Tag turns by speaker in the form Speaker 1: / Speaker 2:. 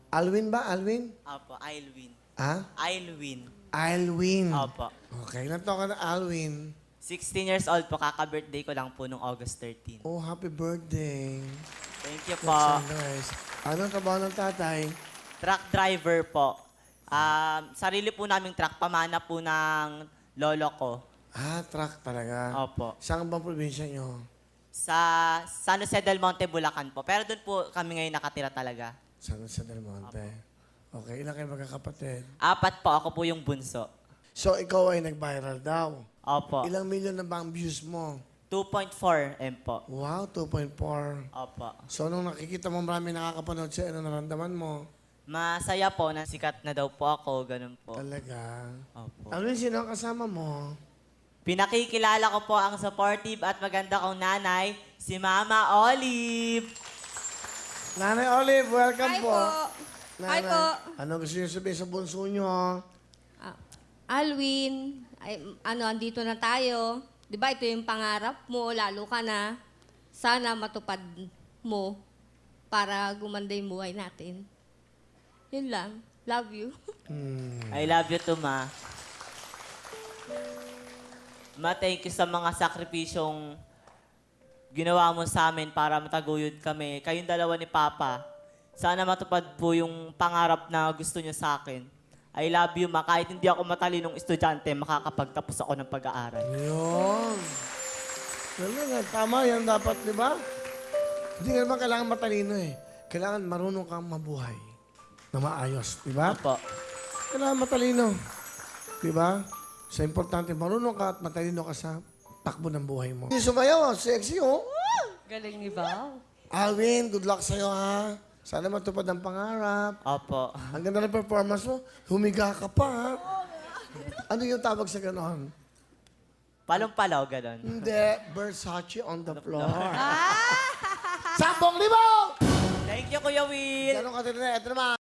Speaker 1: Alwin ba? Alwin?
Speaker 2: Opo, I'll win.
Speaker 1: Ha?
Speaker 2: I'll win.
Speaker 1: Alwin.
Speaker 2: Opo.
Speaker 1: Okay, ilan taon ka na, Alwin?
Speaker 2: 16 years old po, kaka-birthday ko lang po nung August 13.
Speaker 1: Oh, happy birthday.
Speaker 2: Thank you
Speaker 1: That's
Speaker 2: po.
Speaker 1: so nice. Anong trabaho ng tatay?
Speaker 2: Truck driver po. Sarili po naming truck, pamana po ng lolo ko.
Speaker 1: Ah, truck talaga.
Speaker 2: Opo.
Speaker 1: Saan bang probinsya nyo?
Speaker 2: Sa San Jose del Monte, Bulacan po. Pero doon po kami ngayon nakatira talaga.
Speaker 1: San Jose del Monte. Okay, ilan kayo magkakapatid?
Speaker 2: 4 po, ako po yung bunso.
Speaker 1: So, ikaw ay nag-viral daw.
Speaker 2: Opo.
Speaker 1: Ilang milyon na ba ang views mo?
Speaker 2: 2.4 M po.
Speaker 1: Wow, 2.4.
Speaker 2: Opo.
Speaker 1: So, nung nakikita mo marami nakakapanood siya, ano naramdaman mo?
Speaker 2: Masaya po na sikat na daw po ako, ganun po.
Speaker 1: Talaga.
Speaker 2: Opo.
Speaker 1: Alwin, sino ang kasama mo?
Speaker 2: Pinakikilala ko po ang supportive at maganda kong nanay, si Mama Olive.
Speaker 1: Nanay Olive, welcome
Speaker 3: Hi
Speaker 1: po.
Speaker 3: po. Hi po.
Speaker 1: Ano gusto niyo sabihin sa bunso niyo?
Speaker 3: Alwin, andito na tayo. Di ba ito yung pangarap mo, lalo ka na. Sana matupad mo para gumanda yung buhay natin. Yun lang. Love you.
Speaker 2: I love you too, Ma. Ma, thank you sa mga sakripisyong ginawa mo sa amin para mataguyod kami. Kayong dalawa ni Papa. Sana matupad po yung pangarap na gusto niyo sa akin. I love you, Ma. Kahit hindi ako matalinong estudyante, makakapagtapos ako ng pag-aaral.
Speaker 1: Yun. Talaga, tama yan dapat, di ba? Hindi ka naman kailangan matalino eh. Kailangan marunong kang mabuhay na maayos, di ba?
Speaker 2: Opo.
Speaker 1: Kailangan matalino. Di ba? So, importante, marunong ka at matalino ka sa takbo ng buhay mo. Sumayaw, sexy, oh.
Speaker 3: Galing ni Val.
Speaker 1: Alwin, good luck sa'yo, ha? Sana matupad ang pangarap.
Speaker 2: Opo.
Speaker 1: Ang ganda ng performance mo. Humiga ka pa, ha? Ano yung tawag sa ganon?
Speaker 2: Palong-palaw, ganon.
Speaker 1: Hindi, Versace on the floor. 10,000!
Speaker 2: Thank you, Kuya Will.
Speaker 1: Ganon ka din. Ito naman.